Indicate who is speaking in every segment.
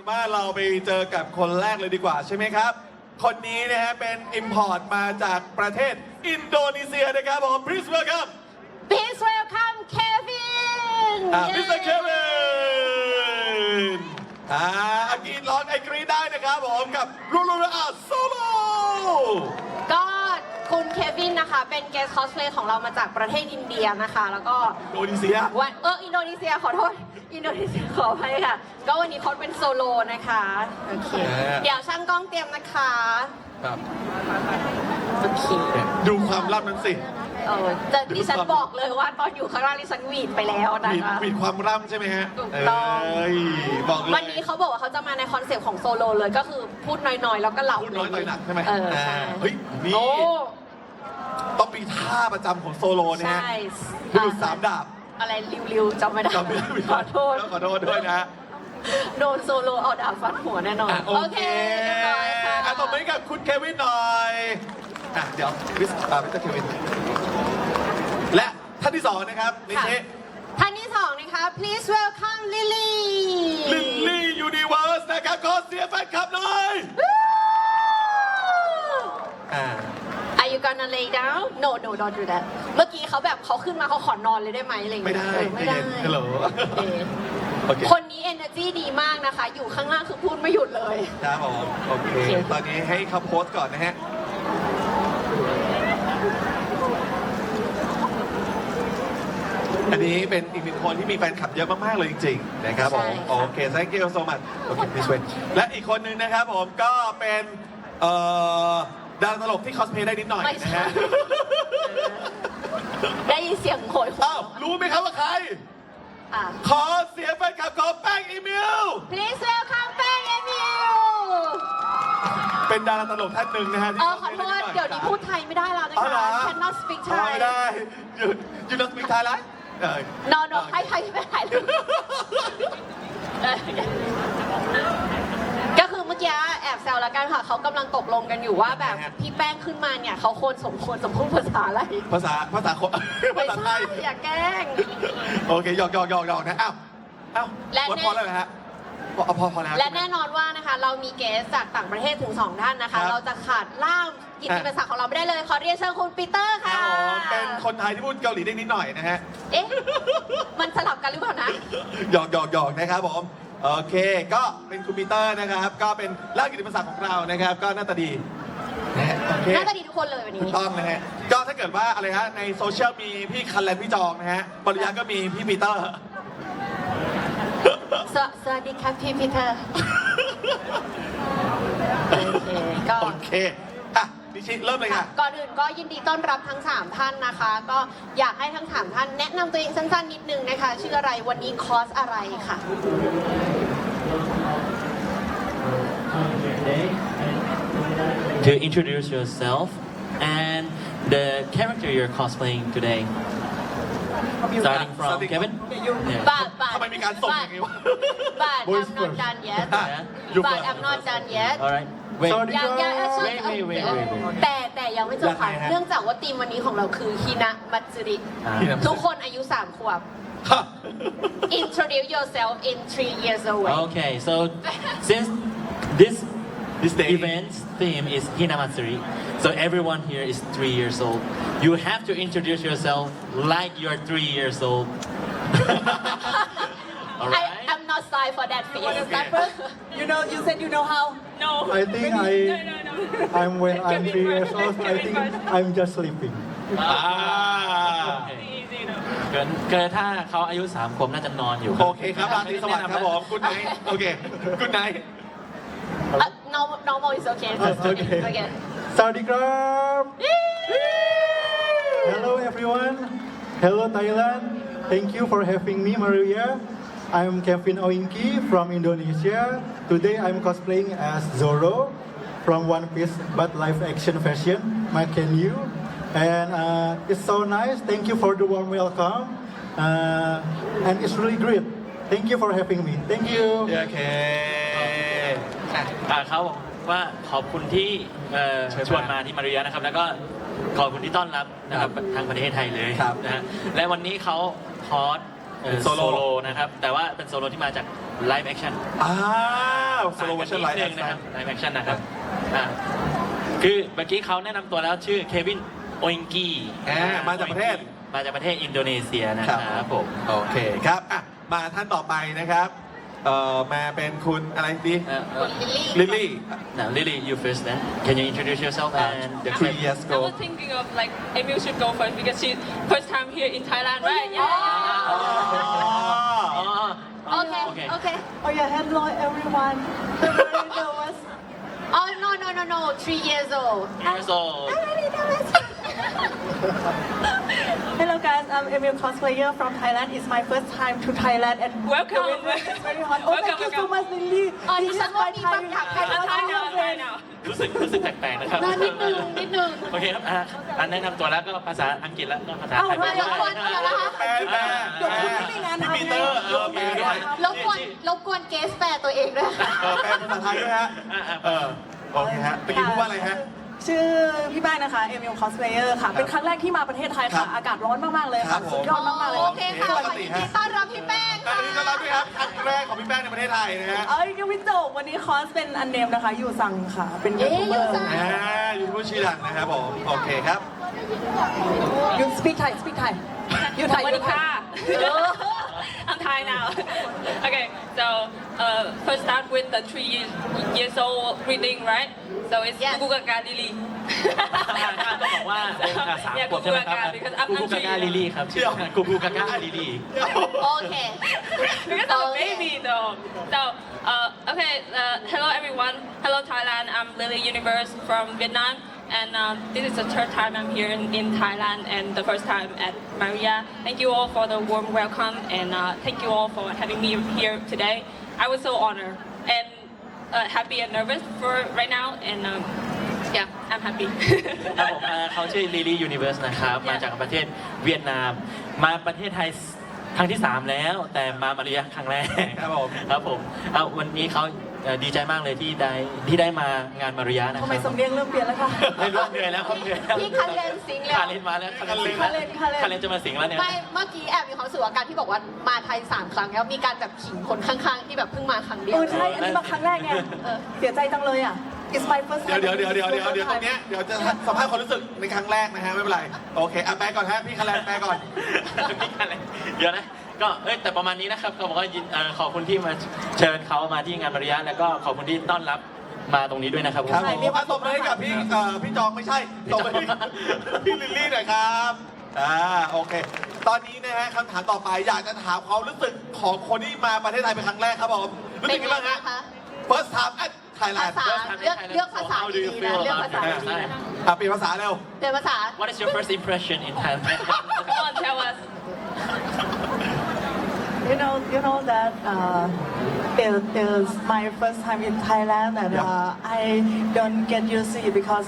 Speaker 1: ว่าเราไปเจอกับคนแรกเลยดีกว่าใช่ไหมครับ คนนี้นะฮะเป็น import มาจากประเทศอินโดนีเซียนะครับผม please welcome
Speaker 2: Please welcome Kevin
Speaker 1: Mr. Kevin อังกฤษร้องไอกรีดได้นะครับผมกับลูลูอาโซโล
Speaker 2: ก็คุณเควินนะคะเป็นเกสคอสเพลย์ของเรามาจากประเทศอินเดียนะคะ แล้วก็
Speaker 1: อินโดนีเซีย
Speaker 2: วันอินโดนีเซียขอโทษอินโดนีเซียขออภัยค่ะ ก็วันนี้เขาเป็นโซโลนะคะโอเคเดี๋ยวช่างกล้องเตรียมนะคะ
Speaker 1: ครับ
Speaker 2: โอเค
Speaker 1: ดูความลับนั้นสิ
Speaker 2: จะดิฉันบอกเลยว่าตอนอยู่ข้างล่างดิฉันหวีดไปแล้วนะคะ
Speaker 1: มีความร่ำใช่ไหมฮะ
Speaker 2: ถูกต้อง
Speaker 1: บอกเลย
Speaker 2: วันนี้เขาบอกว่าเขาจะมาในคอนเซปต์ของโซโลเลยก็คือพูดน้อยๆ แล้วก็เหล่า
Speaker 1: พูดน้อยต่อยหนักใช่ไหม
Speaker 2: ใช่
Speaker 1: เฮ้ยนี่
Speaker 2: โอ้
Speaker 1: ต้องมีท่าประจำของโซโลนะฮะ
Speaker 2: ใช่
Speaker 1: คือสามดาบ
Speaker 2: อะไรริวๆจำไม่ได้
Speaker 1: จำไม่ได้
Speaker 2: ขอโทษ
Speaker 1: ขอโทษด้วยนะฮะ
Speaker 2: โดนโซโลเอาดาบฟันหัวแน่นอน
Speaker 1: โอเค
Speaker 2: เรียบร้อยค่ะ
Speaker 1: ตบมือให้กับคุณเควินหน่อยเดี๋ยวมิสเตอร์เควินและท่านที่สองนะครับนิเช
Speaker 2: ท่านที่สองนะคะ please welcome Lily
Speaker 1: ลิลลี่ยูนิเวิร์สนะครับขอเสียงแฟนคลับหน่อย
Speaker 2: Are you gonna lay down no don't do that เมื่อกี้เขาแบบเขาขึ้นมาเขาขอนอนเลยได้ไหมอะไรอย่าง
Speaker 1: ไม่
Speaker 2: เงี้ย
Speaker 1: ได้
Speaker 2: ไม่ได้
Speaker 1: ฮัลโหล
Speaker 2: โอเคคนนี้ energy ดีมากนะคะ อยู่ข้างล่างคือพูดไม่หยุดเลย
Speaker 1: ครับผมโอเค ตอนนี้ให้เขาโพสต์ก่อนนะฮะ อันนี้เป็นอีกหนึ่งคนที่มีแฟนคลับเยอะมากๆเลยจริงๆนะครับผม โอเค thank you so much โอเค this way และอีกคนนึงนะครับผมก็เป็นดาราตลกที่คอสเพลย์ได้นิดหน่อยนะฮะ
Speaker 2: ได้ยินเสียงโหยหวน
Speaker 1: อ้าวรู้ไหมครับว่าใคร
Speaker 2: อ่ะ
Speaker 1: ขอเสียงแฟนคลับของแป้งอีมิล
Speaker 2: Please welcome แป้งเอมิว
Speaker 1: เป็นดาราตลกท่านหนึ่งนะฮะที่
Speaker 2: ขอโทษเดี๋ยวนี้พูดไทยไม่ได้แล้วนะ
Speaker 1: อ๋อเหรอ
Speaker 2: คะ cannot speak
Speaker 1: อ๋อ
Speaker 2: Thai
Speaker 1: ไม่ได้ยูนัสมิกไทยแล้ว
Speaker 2: no ให้ไปถ่ายรูปก็คือเมื่อกี้แอบแซวแล้วกันค่ะเขากำลังตกลงกันอยู่ว่าแบบพี่แป้งขึ้นมาเนี่ยเขาสมควรพูดภาษาอะไร
Speaker 1: ภาษาคน
Speaker 2: ไม่
Speaker 1: ภาษาไท
Speaker 2: ใช่
Speaker 1: ย
Speaker 2: อย่าแกล้ง
Speaker 1: โอเคหยอกนะอ้าววัดพอแล้วเหรอฮะพอแล้ว
Speaker 2: และแน่นอนว่านะคะเรามีเกสจากต่างประเทศถึง 2 ท่านนะคะ เราจะขาดล่ามกิตติมศักดิ์ของเราไม่ได้เลยขอเรียนเชิญคุณปีเตอร์
Speaker 1: ครั
Speaker 2: ค่ะ
Speaker 1: บผมเป็นคนไทยที่พูดเกาหลีได้นิดหน่อยนะฮะ
Speaker 2: เอ๊ะมันสลับกันหรือเปล่านะ
Speaker 1: หยอกนะครับผมโอเคก็เป็นคุณปีเตอร์นะครับก็เป็นล่ามกิตติมศักดิ์ของเรานะครับก็หน้าตาดีนะฮะโอเค
Speaker 2: น่าจะดีทุกคนเลยวันนี้
Speaker 1: ถูกต้องนะฮะก็ถ้าเกิดว่าอะไรฮะในโซเชียลมีพี่คันแลนพี่จองนะฮะปริยาก็มีพี่ปีเตอร์
Speaker 2: สวัสดีครับพี่ปีเตอร์โอเคก็
Speaker 1: นิชิเริ่มเลยค่ะ
Speaker 2: ก่อนอื่นก็ยินดีต้อนรับทั้ง 3 ท่านนะคะ ก็อยากให้ทั้ง 3 ท่านแนะนำตัวเองสั้นๆนิดนึงนะคะชื่ออะไรวันนี้คอร์สอะไรค่ะ
Speaker 3: To introduce yourself and the character you're cosplaying today. Starting from Kevin. Yeah.
Speaker 2: but
Speaker 1: ทำไมมีการส่งอย่างนี้วะ
Speaker 2: but I'm not done yet
Speaker 1: อ่ะอยู่
Speaker 2: but
Speaker 1: ก่อน
Speaker 2: I'm not done yet
Speaker 3: All right. Wait.
Speaker 2: ยังแต่ยังไม่จบค่ะ
Speaker 1: ยังไงฮะ
Speaker 2: เนื่องจากว่าธีมวันนี้ของเราคือฮินะมัตสึริ ทุกคนอายุ 3 ขวบ Introduce yourself in 3 years away
Speaker 3: Okay. So since this
Speaker 1: This day
Speaker 3: event's theme is Hinamatsuri, so everyone here is 3 years old. You have to introduce yourself like you're 3 years old. All right.
Speaker 2: I'm not signed for that fee
Speaker 4: You said you know how?
Speaker 5: No.
Speaker 4: I think I'm when I'm 3 years old. I think I'm just sleeping.
Speaker 3: เกินถ้าเขาอายุ3 ขวบน่าจะนอนอยู่
Speaker 1: โอเคครับราตรีสวัสดิ์ครับผมคุณไนท์โอเคคุณไนท์
Speaker 2: normal is okay
Speaker 4: Okay. Saudi Krab. Hello everyone. Hello Thailand. Thank you for having me, Maria. I'm Kevin Oinki from Indonesia. Today I'm cosplaying as Zoro from One Piece, but live action version. Maken you. And it's so nice. Thank you for the warm welcome. And it's really great. Thank you for having me. Thank you.
Speaker 1: โอเค
Speaker 3: เขาบอกว่าขอบคุณที่ชวนมาที่มาริยานะครับ แล้วก็ขอบคุณที่ต้อนรับนะครับทางประเทศไทยเลย
Speaker 1: ครับ
Speaker 3: นะฮะและวันนี้เขาคอร์ส
Speaker 1: เป็นโซ
Speaker 3: โซ
Speaker 1: โล่
Speaker 3: โลนะครับ แต่ว่าเป็นโซโลที่มาจาก live action
Speaker 1: อ้าว slow version ไลฟ์
Speaker 3: นิดนึงนะครับ live action นะครับคือเมื่อกี้เขาแนะนำตัวแล้วชื่อเควินโออิงกี
Speaker 1: มาจากประเทศ
Speaker 3: มาจากประเทศอินโดนีเซียนะครับผม
Speaker 1: โอเคครับอ่ะมาท่านต่อไปนะครับมาเป็นคุณอะไรดี ลิลลี่
Speaker 3: Now Lily you first then can you introduce yourself and the
Speaker 1: 3 years
Speaker 5: I
Speaker 1: ago
Speaker 5: was thinking of like Emil should go first because she's first time here in Thailand, right? Yeah.
Speaker 3: อ๋อ
Speaker 2: โอเค โอเค
Speaker 6: Oh yeah, hello everyone. I'm very nervous.
Speaker 2: Oh no 3 years old
Speaker 3: years old
Speaker 6: Hello guys, I'm Emil cosplayer from Thailand. It's my first time to Thailand and
Speaker 5: Welcome.
Speaker 6: It's very hot. Oh, thank you so
Speaker 5: Welcome.
Speaker 6: much, Lily.
Speaker 2: อ๋อ
Speaker 6: This
Speaker 2: ดิ
Speaker 6: is
Speaker 2: ฉันว่า
Speaker 6: my
Speaker 2: มี
Speaker 6: Thai.
Speaker 2: บางอย่างใคร
Speaker 6: I
Speaker 2: ก็
Speaker 6: love
Speaker 5: Thai
Speaker 6: you,
Speaker 5: now, Thai
Speaker 6: friend.
Speaker 5: now.
Speaker 3: รู้สึกแปลกๆนะครับ
Speaker 2: นิดนึง
Speaker 3: โอเคครับแนะนำตัวแล้วก็ภาษาอังกฤษแล้วก็ภาษาไทย
Speaker 2: เดี๋ยวก่อนเดี๋ยวนะคะ
Speaker 1: แปล
Speaker 6: เดี๋ยวคุณไม่มีงานทำ
Speaker 1: พี่ปีเตอร์แปลด้วย
Speaker 2: รบกวนเกสแปลตัวเองด้วย
Speaker 1: แปลภาษาไทยด้วยฮะโอเคฮะเมื่อกี้พูดว่าอะไรฮะ
Speaker 6: ชื่อพี่แป้งนะคะ Emil cosplayer ค่ะ เป็นครั้งแรกที่มาประเทศไทย
Speaker 1: ครั
Speaker 6: ค่ะ
Speaker 1: บ
Speaker 6: อากาศร้อนมากๆเลย
Speaker 1: ครั
Speaker 6: ค่ะ
Speaker 1: บผม
Speaker 6: สุดยอดมากๆเลย
Speaker 2: โอเคค่ะ
Speaker 1: ป
Speaker 2: ข
Speaker 1: ก
Speaker 2: อ
Speaker 1: ติ
Speaker 2: ยิน
Speaker 1: ฮะ
Speaker 2: ดีต้อนรับพี่แป้ง
Speaker 1: อันนี้ต้อนรับด้วยครับครั้งแรกของพี่แป้งในประเทศไทยนะฮะ
Speaker 6: เอ้ยยังไม่จบวันนี้คอสเป็นอันเนมนะคะ ยูซังค่ะ เป็นยูทูบเบอร์
Speaker 1: ยูทูบชื่อดังนะครับผมโอเคครับ
Speaker 6: ยู speak Thai speak Thai ยูไทยยูไทย
Speaker 5: I'm Thai now. Okay, so first start with the 3 years old reading, right? So it's
Speaker 2: Yes.
Speaker 5: Gugu Gaga Lily.
Speaker 3: ต้องบอกว่าเป็นสาม
Speaker 5: Yeah,
Speaker 3: ขวบใช่ไหมครับ
Speaker 5: Gugu Gaga, because I'm
Speaker 3: กูกูกา
Speaker 5: three
Speaker 3: กาลิลี่ครับชื่อกูกูกากาลิลี่
Speaker 2: โอเค
Speaker 5: Because I'm a
Speaker 2: Okay.
Speaker 5: baby though. So, okay, hello everyone. Hello Thailand. I'm Lily Universe from Vietnam. And this is the third time I'm here in Thailand and the first time at Maria. Thank you all for the warm welcome and thank you all for having me here today. I was so honored and happy and nervous for right now and yeah, I'm happy.
Speaker 3: ครับผมเขาชื่อลิลี่ยูนิเวอร์สนะครับ มาจากประเทศเวียดนาม มาประเทศไทยครั้งที่ 3 แล้ว แต่มามาเรียครั้งแรก
Speaker 1: ครับผม
Speaker 3: ครับผมวันนี้เขาดีใจมากเลยที่ได้มางานมาริยานะค
Speaker 6: ทำ
Speaker 3: รับ
Speaker 6: ไมสำเนียงเริ่มเปลี่ยนแล้วคะ
Speaker 3: ไม่รู้เหนื่อยแล้วครับเหนื่อยแล้ว
Speaker 2: พี่คันเลนสิงห์แล้ว
Speaker 3: คาเลนมาแล้วคาเลน
Speaker 6: คาเลน
Speaker 3: คาเลนจะมาสิงแล้วเนี่ย
Speaker 2: ไม่เมื่อกี้แอบมีความรู้สึกว่าการที่บอกว่ามาไทย 3 ครั้งแล้วมีการแบบขิงคนข้างๆ ที่แบบเพิ่งมาครั้งเดียว
Speaker 6: ใช่ อันนี้มาครั้งแรกไงเสียใจจังเลยอ่ะ It's my first
Speaker 1: เดี๋ยว
Speaker 6: time
Speaker 1: ตรงเนี้ยเดี๋ยวจะสัมภาษณ์ความรู้สึกในครั้งแรกนะฮะไม่เป็นไรโอเคแปลก่อนฮะพี่คาแลนแปลก่อน
Speaker 3: พี่คาเลนเดี๋ยวนะก็แต่ประมาณนี้นะครับเขาบอกว่าขอบคุณที่มาเชิญเขามาที่งานมาริยาแล้วก็ขอบคุณที่ต้อนรับมาตรงนี้ด้วยนะครับผม
Speaker 1: ครับผมตบมือให้กับพี่จองไม่ใช่ตบมือให้พี่ลิลลี่หน่อยครับโอเค ตอนนี้นะฮะคำถามต่อไปอยากจะถามความรู้สึกของคนที่มาประเทศไทยเป็นครั้งแรกครับผมรู้สึกยังไงบ้างฮะ First time at
Speaker 2: ภา
Speaker 1: Thailand
Speaker 2: ษาเลือกภาษาดีๆนะเลือกภาษาดี
Speaker 1: เปลี่ยนภาษาเร็ว
Speaker 2: ๆเปลี่ยนภาษา
Speaker 3: What is your first impression in Thailand
Speaker 5: Come on, tell us.
Speaker 6: You know that it is my first time in Thailand and I don't get used to it because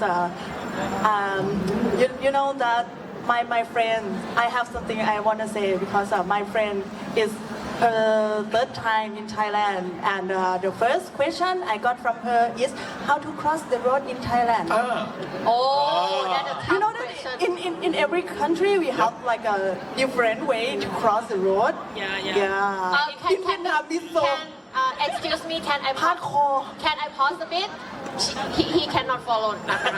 Speaker 6: you know that my friend I have something I want to say because my friend is her third time in Thailand and the first question I got from her is how to cross the road in Thailand.
Speaker 2: โอ้ that's a
Speaker 6: You know
Speaker 2: tough
Speaker 6: that
Speaker 2: question
Speaker 6: in every country we have like a different way to cross the road.
Speaker 5: Yeah.
Speaker 6: Yeah. In Vietnam this so
Speaker 2: excuse me can I
Speaker 6: hardcore.
Speaker 2: can I pause a bit he cannot follow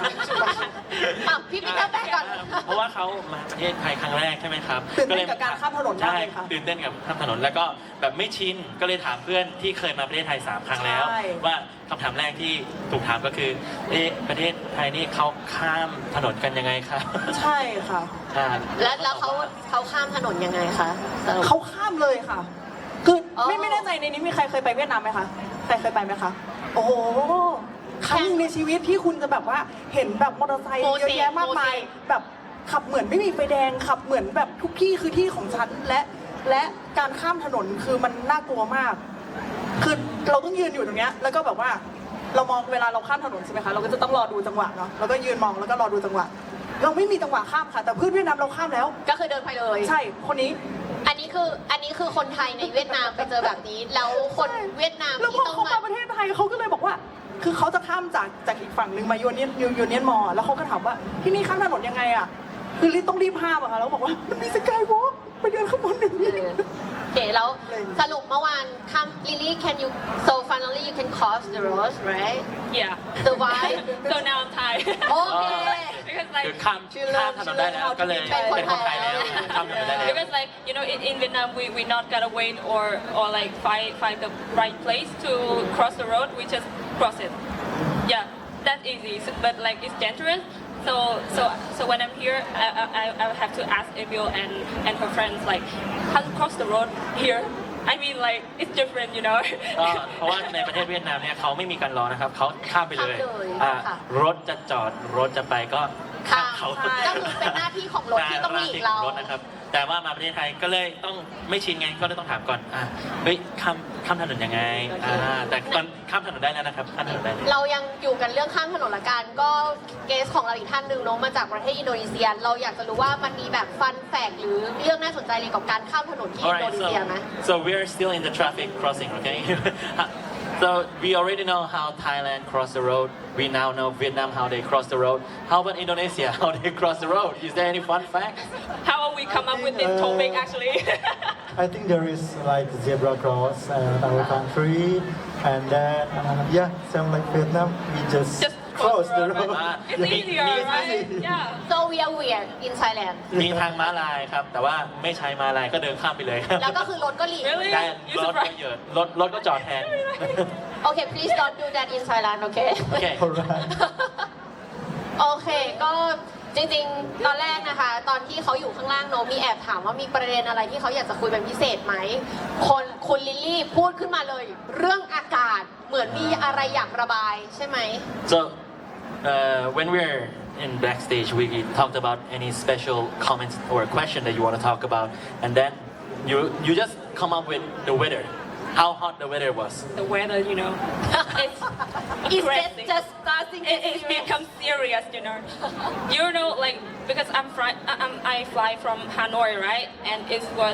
Speaker 2: พี่ปีเตอร์แปลก่อน
Speaker 3: เพราะว่าเขามาประเทศไทยครั้งแรกใช่ไหมครับ
Speaker 6: ตื่นเต้นกับการข้ามถนนมากเลยค่ะ
Speaker 3: ใช่ตื่นเต้นกับข้ามถนนแล้วก็แบบไม่ชินก็เลยถามเพื่อนที่เคยมาประเทศไทย3 ครั้งแล้ว
Speaker 6: ใช่
Speaker 3: ว่าคำถามแรกที่ถูกถามก็คือประเทศไทยนี่เขาข้ามถนนกันยังไงครับ
Speaker 6: ใช่ค่ะ
Speaker 2: แล้วเขาข้ามถนนยังไงคะสรุป
Speaker 6: เขาข้ามเลยค่ะ คือ
Speaker 2: อ๋อ
Speaker 6: ไม่แน่ใจในนี้มีใครเคยไปเวียดนามไหมคะ ใครเคยไปไหมคะ โอ้โห ครั้งหนึ่งในชีวิตที่คุณจะแบบว่าเห็นแบบมอเตอร์ไซค์เยอะแยะมากมาย แบบขับเหมือนไม่มีไฟแดง ขับเหมือนแบบทุกที่คือที่ของฉัน และการข้ามถนนคือมันน่ากลัวมาก คือเราต้องยืนอยู่ตรงเนี้ย แล้วก็แบบว่าเรามองเวลาเราข้ามถนนใช่ไหมคะ เราก็จะต้องรอดูจังหวะเนาะ แล้วก็ยืนมองแล้วก็รอดูจังหวะ เราไม่มีจังหวะข้ามค่ะ แต่เพื่อนเวียดนามเราข้ามแล้ว
Speaker 2: ก็คือเดินไปเลย
Speaker 6: ใช่ คนนี้
Speaker 2: อันนี้คือคนไทยในเวียดนามไปเจอแบบนี้ แล้วคนเวียดนาม
Speaker 6: แล้วพ
Speaker 2: ที่
Speaker 6: อ
Speaker 2: ต้อง
Speaker 6: เขา
Speaker 2: มา
Speaker 6: มาประเทศไทยเขาก็เลยบอกว่า คือเขาจะข้ามจากอีกฝั่งหนึ่งมายูเนียนมอแล้วเขาก็ถามว่าที่นี่ข้ามถนนยังไงอ่ะ คือต้องรีบห้ามอะค่ะแล้วบอกว่ามันมีสกายวอล์กไปเดินข้างบนหนึ่ง
Speaker 2: เออโอเคแล้วสรุปเมื่อวานคำ Lily can you so finally you can cross the road right
Speaker 5: Yeah.
Speaker 2: so why
Speaker 5: So now I'm tired.
Speaker 2: โอเค
Speaker 5: Because
Speaker 3: คือ
Speaker 5: like
Speaker 3: ข้ามถนนได้แล้วก็เลยเป็นคนไทยแล้วข้ามถนนได้แล้ว
Speaker 5: because like you know in Vietnam we not gotta wait or like find the right place to cross the road. We just cross it. Yeah, that's easy. But like it's dangerous. So when I'm here, I have to ask Emil and her friends like how to cross the road here. I mean like it's different, you know.
Speaker 3: ก็เพราะว่าในประเทศเวียดนามเนี่ยเขาไม่มีการรอนะครับเขาข้ามไปเลย
Speaker 2: ข้ามเลย
Speaker 3: อ่า
Speaker 2: ค่ะ
Speaker 3: รถจะจอดรถจะไปก็ข้ามเขา
Speaker 2: ข้ามก็คือเป็นหน้าที่ของรถที่ต้องหลีกเรา
Speaker 3: หน้ที่ของรถนะครับแต่ว่ามาประเทศไทยก็เลยต้องไม่ชินไงก็เลยต้องถามก่อนเฮ้ยข้ามถนนยังไงแต่ตอนข้ามถนนได้แล้วนะครับข้ามถนนได้แล้ว
Speaker 2: เรายังอยู่กันเรื่องข้ามถนนละกันก็เกสของเราอีกท่านหนึ่งเน้องมาจากประเทศอินโดนีเซีย เราอยากจะรู้ว่ามันมีแบบฟันแฝกหรือเรื่องน่าสนใจเกี่ยวกับการข้ามถนนที่อินโด
Speaker 3: Alright,
Speaker 2: นีเซียไหม
Speaker 3: so we're still in the traffic crossing, okay? So we already know how Thailand cross the road. We now know Vietnam how they cross the road. How about Indonesia? How they cross the road? Is there any fun facts?
Speaker 5: How we come up with this topic actually?
Speaker 4: I think there is like zebra cross in our country, and then yeah, same like Vietnam, we just cross the road.
Speaker 5: It's easier, right? Yeah.
Speaker 2: so we are weird in Thailand
Speaker 3: มีทางม้าลายครับ แต่ว่าไม่ใช้ม้าลายก็เดินข้ามไปเลยครับ
Speaker 2: แล้วก็คือรถก็หลีก
Speaker 5: Really?
Speaker 3: ได้
Speaker 5: You
Speaker 3: รถก็
Speaker 5: surprised?
Speaker 3: เยอะรถก็จอดแทน
Speaker 2: โอเค please don't do that in Thailand โอเค
Speaker 3: โอเค
Speaker 4: Alright.
Speaker 2: โอเค ก็จริงๆ ตอนแรกนะคะ ตอนที่เขาอยู่ข้างล่างโนมีแอบถามว่ามีประเด็นอะไรที่เขาอยากจะคุยเป็นพิเศษไหมคุณลิลลี่พูดขึ้นมาเลย เรื่องอากาศเหมือนมีอะไรอยากระบายใช่ไหม
Speaker 3: So when we're in backstage, we talked about any special comments or a question that you want to talk about, and then you just come up with the weather, how hot the weather was.
Speaker 5: The weather, you know, it's
Speaker 2: It's
Speaker 5: aggressive.
Speaker 2: just starting to
Speaker 5: It becomes serious, you know. You know, like because I fly from Hanoi, right? And it was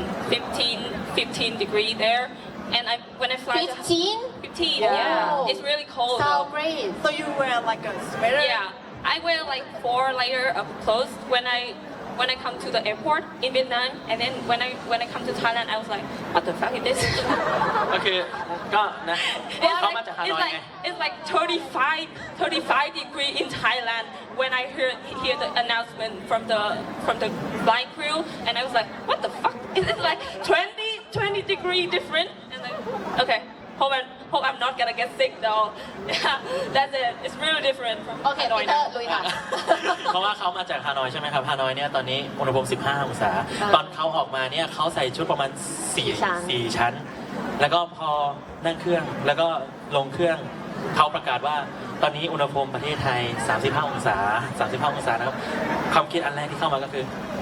Speaker 5: 15 degree there, and when I fly
Speaker 2: 15?
Speaker 5: 15,
Speaker 6: Yeah.
Speaker 5: yeah, it's really cold.
Speaker 2: so
Speaker 5: though.
Speaker 2: great
Speaker 6: So you wear like a sweater?
Speaker 5: Yeah, I wear like 4 layers of clothes when I come to the airport in Vietnam, and then when I come to Thailand, I was like, what the fuck is this?
Speaker 3: ก็คือก็นะ
Speaker 5: It's
Speaker 3: เขามาจากฮานอยไง
Speaker 5: it's like 35 degree in Thailand when I hear the announcement from the flight crew, and I was like, what the fuck? It's like 20 degree different, and like, okay, hope I'm not gonna get sick though. Yeah, that's it. It's really different from
Speaker 2: โอเค
Speaker 5: Hanoi
Speaker 2: ปีเตอ
Speaker 5: now.
Speaker 2: ร์ลุยค่ะ
Speaker 3: เพราะว่าเขามาจากฮานอยใช่ไหมครับฮานอยเนี่ยตอนนี้อุณหภูมิ 15 องศา ตอนเขาออกมาเนี่ยเขาใส่ชุดประมาณ 4 ชั้น แล้วก็พอนั่งเครื่องแล้วก็ลงเครื่องเขาประกาศว่าตอนนี้อุณหภูมิประเทศไทย 35 องศา 35 องศานะครับความคิดอันแรกที่เข้ามาก็คือ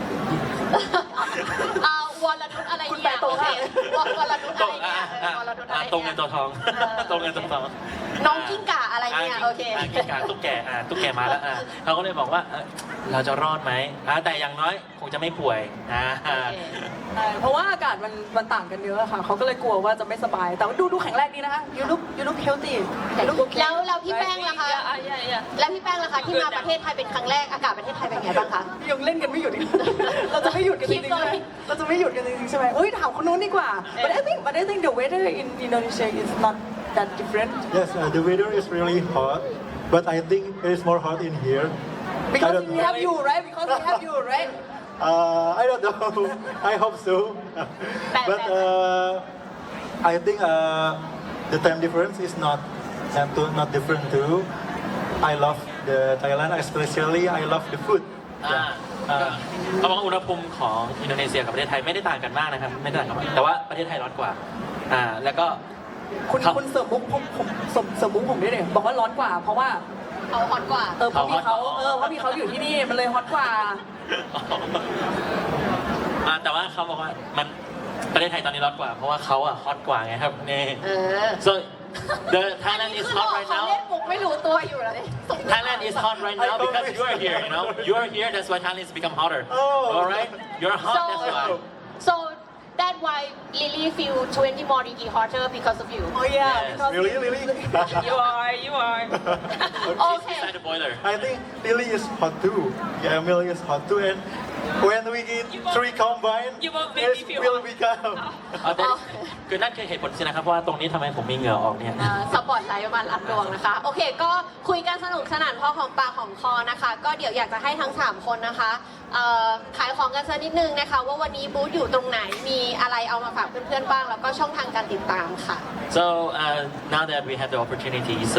Speaker 2: วรนุชอะไร
Speaker 6: คุณ
Speaker 2: เนี่ย
Speaker 6: ไปตรง
Speaker 2: โอเค
Speaker 6: ค่ะ
Speaker 2: วรนุชอะไรเนี่ยวรนุชอะไร
Speaker 3: ตรงเงิน
Speaker 2: เนี่ย
Speaker 3: ตัวทอง ตรงเงินตัวทอง
Speaker 2: น้องกิ้งก่าอะไรเนี่ยโอเค
Speaker 3: กิ้งก่าตุ๊กแกตุ๊กแกมาแล้วเขาก็เลยบอกว่าเราจะรอดไหมแต่อย่างน้อยคงจะไม่ป่วย
Speaker 2: โอเค
Speaker 6: ใช่เพราะว่าอากาศมันต่างกันเยอะอะค่ะ เขาก็เลยกลัวว่าจะไม่สบาย แต่ว่าดูแข็งแรงดีนะคะ you look healthy you look okay
Speaker 2: แล้วพี่แป้งล่ะคะ
Speaker 5: Yeah.
Speaker 2: แล้วพี่แป้งล่ะคะที่มาประเทศไทยเป็นครั้งแรกอากาศประเทศไทยเป็นไงบ้างคะ
Speaker 6: ยังเล่นกันไม่หยุดอีก เราจะไม่หยุดกันจริงๆใช่ไหมเราจะไม่หยุดกันจริงๆใช่ไหมอุ้ยถามคนนู้นดีกว่า but I think the weather in Indonesia is not that different
Speaker 4: Yes, the weather is really hot, but I think it is more hot in here. I
Speaker 6: because
Speaker 4: don't
Speaker 6: we
Speaker 4: know.
Speaker 6: have you right because we have you right
Speaker 4: I don't know. I hope so. But I think the time difference is not different too. I love the Thailand, especially I love the food.
Speaker 3: เขาบอกว่าอุณหภูมิของอินโดนีเซียกับประเทศไทยไม่ได้ต่างกันมากนะครับไม่ได้ต่างกันมากแต่ว่าประเทศไทยร้อนกว่าแล้วก็
Speaker 6: คุณเสริมมุกผมเสริมมุกผมด้วยเนี่ยบอกว่าร้อนกว่า เพราะว่า
Speaker 2: เขาฮอตกว่า
Speaker 6: เพราะพี่เขาอยู่ที่นี่มันเลยฮอตกว่า
Speaker 3: แต่ว่าเขาบอกว่ามันประเทศไทยตอนนี้ร้อนกว่า เพราะว่าเขาฮอตกว่าไงครับนี่ so the Thailand is hot right
Speaker 2: เขา
Speaker 3: now
Speaker 2: เล่นมุกไม่รู้ตัวอยู่แล้วเนี่ย
Speaker 3: Thailand is hot right now because you are here you are here that's why Thailand has become hotter
Speaker 4: Oh.
Speaker 3: alright you're hot that's why
Speaker 2: so that's why Lily feel 20 more degree hotter because of you
Speaker 6: oh yeah
Speaker 3: Yes.
Speaker 6: because
Speaker 4: Really?
Speaker 5: You are.
Speaker 2: Okay.
Speaker 3: inside the boiler
Speaker 4: I think Lily is hot too. Yeah, Emily is hot too, and When we get 3 combined,
Speaker 5: you won't make me
Speaker 4: it
Speaker 5: feel
Speaker 4: will
Speaker 5: hot.
Speaker 4: become.
Speaker 3: เอาแต่คือนั่นคือเหตุผลใช่ไหมครับว่าตรงนี้ทำไมผมมีเหงื่อออกเนี่ย
Speaker 2: สปอตไลท์มารับดวงนะคะ โอเค ก็คุยกันสนุกสนานพอของปากของคอนะคะ ก็เดี๋ยวอยากจะให้ทั้ง 3 คนนะคะขายของกันสักนิดนึงนะคะ ว่าวันนี้บูธอยู่ตรงไหนมีอะไรเอามาฝากเพื่อนๆบ้าง แล้วก็ช่องทางการติดตามค่ะ
Speaker 3: So now that we have the opportunity, so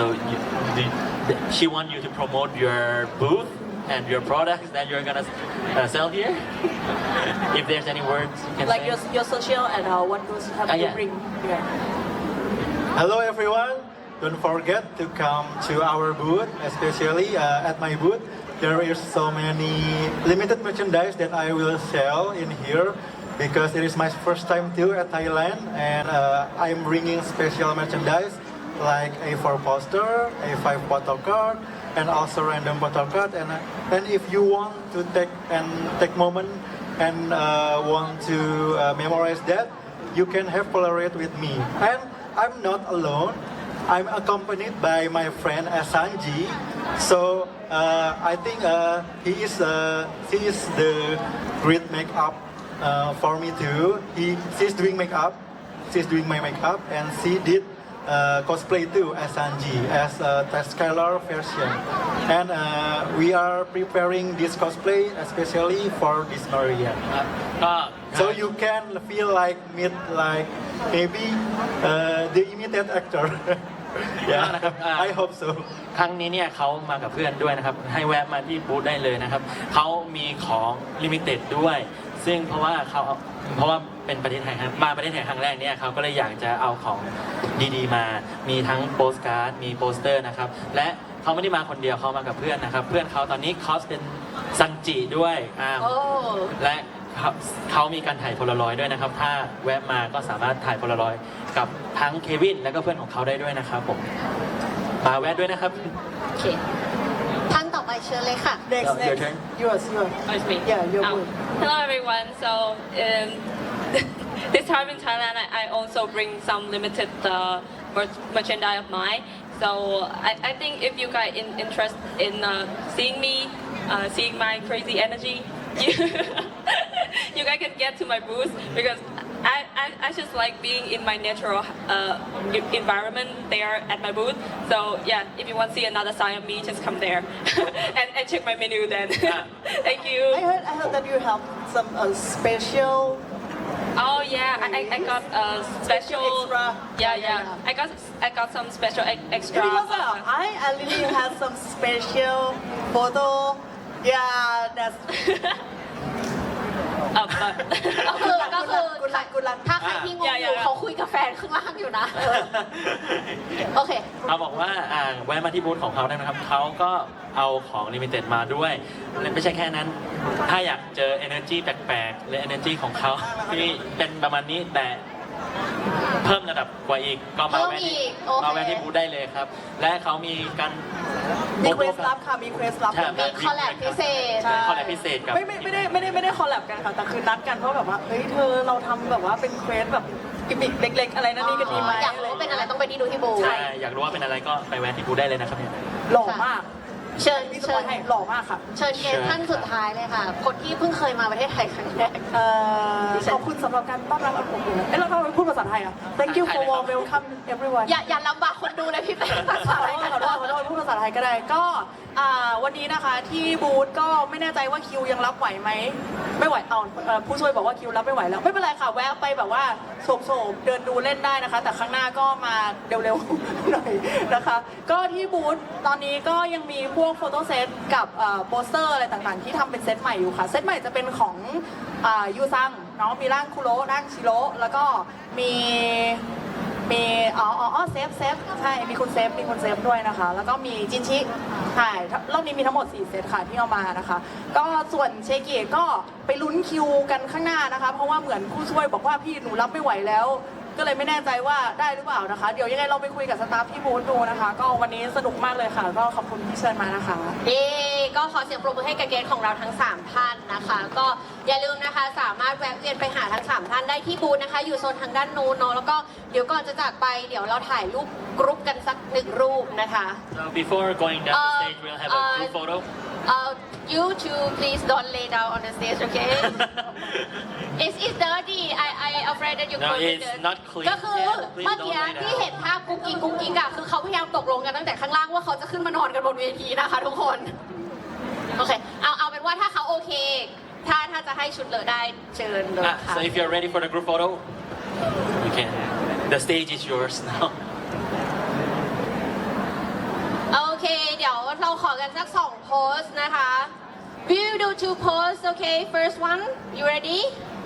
Speaker 3: she want you to promote your booth and your products that you're gonna sell here. If there's any words you can
Speaker 6: like
Speaker 3: say.
Speaker 6: your social and what goods have you
Speaker 3: yeah.
Speaker 6: bring here
Speaker 4: Hello everyone. Don't forget to come to our booth, especially at my booth. There is so many limited merchandise that I will sell in here because it is my first time too at Thailand, and I'm bringing special merchandise like A4 poster, A5 photo card, and also random photo card. And if you want to take moment and want to memorize that, you can have Polaroid with me. And I'm not alone. I'm accompanied by my friend Asanji. So I think he is the great makeup for me too. She's doing makeup. She's doing my makeup, and she did cosplay too as Sanji as a Tascalar version. And we are preparing this cosplay especially for this Maria.
Speaker 3: ก็
Speaker 4: So you can feel like meet like maybe the imitate actor. yeah, I hope so.
Speaker 3: ครั้งนี้เนี่ยเขามากับเพื่อนด้วยนะครับ ให้แวะมาที่บูธได้เลยนะครับ เขามีของลิมิเต็ดด้วย ซึ่งเพราะว่าเป็นประเทศไทยครับมาประเทศไทยครั้งแรกเนี่ยเขาก็เลยอยากจะเอาของดีๆมา มีทั้งโปสการ์ด มีโปสเตอร์นะครับ และเขาไม่ได้มาคนเดียวเขามากับเพื่อนนะครับ เพื่อนเขาตอนนี้คอสเป็นซันจิด้วย
Speaker 2: โอ้
Speaker 3: และเขามีการถ่ายโพลารอยด์ด้วยนะครับ ถ้าแวะมาก็สามารถถ่ายโพลารอยด์กับทั้งเควินและก็เพื่อนของเขาได้ด้วยนะครับผมมาแวะด้วยนะครับ
Speaker 2: โอเค ท่านต่อไปเชิญเลยค่ะ
Speaker 6: next
Speaker 3: Your turn.
Speaker 6: yours
Speaker 5: Oh, it's me.
Speaker 6: yeah your
Speaker 5: Oh.
Speaker 6: booth
Speaker 5: Hello everyone. So this time in Thailand, I also bring some limited merchandise of mine. So I think if you guys interested in seeing me, seeing my crazy energy, you guys can get to my booth because I just like being in my natural environment there at my booth. So yeah, if you want to see another side of me, just come there and check my menu then. Thank you.
Speaker 6: I heard that you have some special
Speaker 5: Oh yeah, I got a special.
Speaker 6: Extra.
Speaker 5: Yeah. I got some special extra.
Speaker 6: because I really have some special photo yeah that's
Speaker 2: ก็คือ
Speaker 6: good luck
Speaker 2: ถ้าใครที่งงอยู่เขาคุยกับแฟนข้างล่างอยู่นะ โอเค
Speaker 3: เขาบอกว่าแวะมาที่บูธของเขาได้นะครับ เขาก็เอาของลิมิเต็ดมาด้วยและไม่ใช่แค่นั้น ถ้าอยากเจอ energy แปลกๆหรือ energy ของเขาที่เป็นประมาณนี้แต่เพิ่มระดับกว่าอีกก็มาแวะที่
Speaker 2: เพิ่มอีกโอเค
Speaker 3: มาแวะที่บูธได้เลยครับ และเขามีการ
Speaker 6: มีเควสลับค่ะมีเควสลับ
Speaker 3: ใช่
Speaker 2: มีคอลแลบพิเศษ
Speaker 3: เป็นคอลแลบพิเศษกับ
Speaker 6: ไม่ได้คอลแลบกันค่ะแต่คือนัดกันเพราะแบบว่าเฮ้ยเธอเราทำแบบว่าเป็นเควสแบบกิมมิคเล็ก ๆ อะไรนั่นนี่กันดีไหม
Speaker 2: อยากรู้ว่าเป็นอะไรต้องไปที่ดูที่บูธ
Speaker 3: ใช่อยากรู้ว่าเป็นอะไรก็ไปแวะที่บูธได้เลยนะครับเนี่ย
Speaker 6: หล่อมาก
Speaker 2: เชิญ
Speaker 6: พี่ส
Speaker 2: เชิ
Speaker 6: ปอ
Speaker 2: ญ
Speaker 6: ยให้หล่อมากค่ะ
Speaker 2: เชิญเกสท่านสุดท้ายเลยค่ะ คนที่เพิ่งเคยมาประเทศไทยครั้งแรก
Speaker 6: ขอบคุณสำหรับการต้อนรับอันอบอุ่นเราต้องพูดภาษาไทยอ่ะ Thank you for warm welcome everyone
Speaker 2: อย่าลำบากคนดูเลยพี่เต้ภาษาอะไรกัน
Speaker 6: ขอโทษพูดภาษาไทยก็ได้ก็วันนี้นะคะที่บูธก็ไม่แน่ใจว่าคิวยังรับไหวไหมไม่ไหวผู้ช่วยบอกว่าคิวรับไม่ไหวแล้วไม่เป็นไรค่ะแวะไปแบบว่าโฉบๆเดินดูเล่นได้นะคะ แต่ข้างหน้าก็มาเร็วๆหน่อยนะคะ ก็ที่บูธตอนนี้ก็ยังมีพวกโฟโต้เซตกับโปสเตอร์อะไรต่างๆที่ทำเป็นเซตใหม่อยู่ค่ะเซตใหม่จะเป็นของยูซังเนาะมีร่างคุโร่ร่างชิโร่แล้วก็มีเซฟใช่มีคุณเซฟด้วยนะคะ แล้วก็มีจินชิใช่รอบนี้มีทั้งหมด4เซตค่ะที่เอามานะคะ ก็ส่วนเชกิก็ไปลุ้นคิวกันข้างหน้านะคะ เพราะว่าเหมือนผู้ช่วยบอกว่าพี่หนูรับไม่ไหวแล้ว ก็เลยไม่แน่ใจว่าได้หรือเปล่านะคะ เดี๋ยวยังไงเราไปคุยกับสตาฟที่บูธดูนะคะ ก็วันนี้สนุกมากเลยค่ะ ก็ขอบคุณที่เชิญมานะคะ
Speaker 2: ก็ขอเสียงปรบมือให้กับเกสของเราทั้ง 3 ท่านนะคะ ก็อย่าลืมนะคะสามารถแวะเวียนไปหาทั้ง 3 ท่านได้ที่บูธนะคะ อยู่โซนทางด้านนู้นเนาะแล้วก็เดี๋ยวก่อนจะจากไปเดี๋ยวเราถ่ายรูปกรุ๊ปกันสัก1 รูปนะคะ
Speaker 3: So before going down the stage we'll have a group photo
Speaker 2: you to please don't lay down on the stage, okay? It's dirty. I afraid that you
Speaker 3: No,
Speaker 2: could
Speaker 3: it's not clean.
Speaker 2: ก็คือ
Speaker 3: Yeah, please
Speaker 2: เมื่อ
Speaker 3: don't
Speaker 2: กี้
Speaker 3: lay down.
Speaker 2: ที่เห็นภาพกุ๊กกิ๊กอะคือเขาพยายามตกลงกันตั้งแต่ข้างล่างว่าเขาจะขึ้นมานอนกันบนเวทีนะคะทุกคน โอเค เอาเป็นว่าถ้าเขาโอเค ถ้าจะให้ชุดเลอะได้เชิญเลยค่ะ
Speaker 3: So if you're ready for the group photo, you can. The stage is yours now.
Speaker 2: โอเค เดี๋ยวเราขอกันสัก2โพสนะคะ We will do 2 posts, okay? First one, you ready?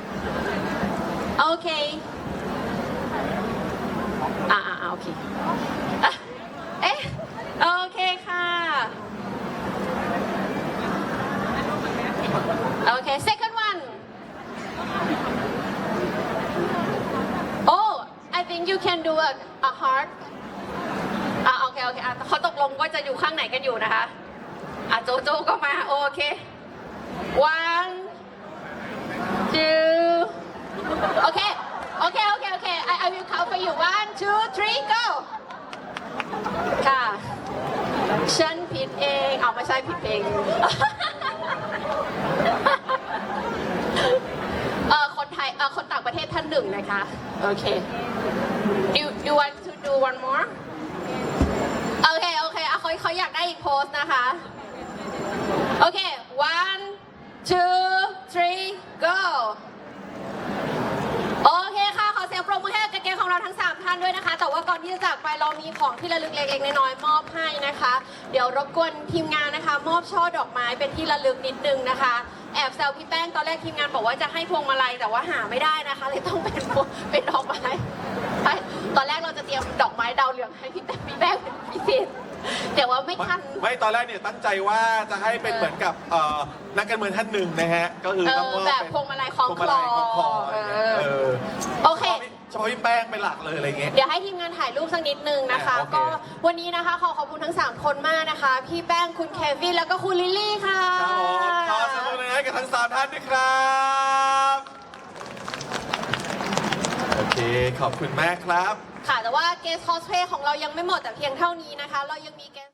Speaker 2: Okay. โอเคอ่ะเอ๊ะ โอเคค่ะ Okay, second one. Oh, I think you can do a heart. โอเคเขาตกลงว่าจะอยู่ข้างไหนกันอยู่นะคะโจก็มาโอเค one two โอเค I will count for you 1 2 3 go ค่ะฉันผิดเองไม่ใช่ผิดเพลง คนไทยคนต่างประเทศท่านหนึ่งนะคะ โอเค you want to do one more โอเคเขาอยากได้อีกโพสนะคะ โอเค one two three go โอเคค่ะ ขอเสียงปรบมือให้กับเกมของเราทั้ง 3 ท่านด้วยนะคะ แต่ว่าก่อนที่จะจากไปเรามีของที่ระลึกเล็กๆน้อยๆมอบให้นะคะ เดี๋ยวรบกวนทีมงานนะคะ มอบช่อดอกไม้เป็นที่ระลึกนิดนึงนะคะ แอบแซวพี่แป้งตอนแรกทีมงานบอกว่าจะให้พวงมาลัยแต่ว่าหาไม่ได้นะคะเลยต้องเป็นดอกไม้ตอนแรกเราจะเตรียมดอกไม้ดาวเหลืองให้พี่แป้งเป็นพิเศษแต่ว่าไม่ทัน
Speaker 1: ไม่ตอนแรกเนี่ยตั้งใจว่าจะให้เป็นเหมือนกับนักการเมืองท่านหนึ่งนะฮะ ก็คือต้องมอบ
Speaker 2: แบบ
Speaker 1: เป็น
Speaker 2: พวงมาลัยคล้อง
Speaker 1: พวงมาลัยคล้องคออะไรเงี้ย
Speaker 2: โอเค
Speaker 1: เฉพาะพี่แป้งเป็นหลักเลยอะไรเงี้ย
Speaker 2: เดี๋ยวให้ทีมงานถ่ายรูปสักนิดนึงนะคะ
Speaker 1: โอเค
Speaker 2: ก็วันนี้นะคะขอบคุณทั้ง 3 คนมากนะคะ พี่แป้งคุณเควินแล้วก็คุณลิลลี่ค่ะ
Speaker 1: ครับผมขอเสมอเลยให้กับทั้ง 3 ท่านด้วยครับ โอเค ขอบคุณมากครับ
Speaker 2: ค่ะ แต่ว่าเกสคอสเพลย์ของเรายังไม่หมดแต่เพียงเท่านี้นะคะ เรายังมีเกส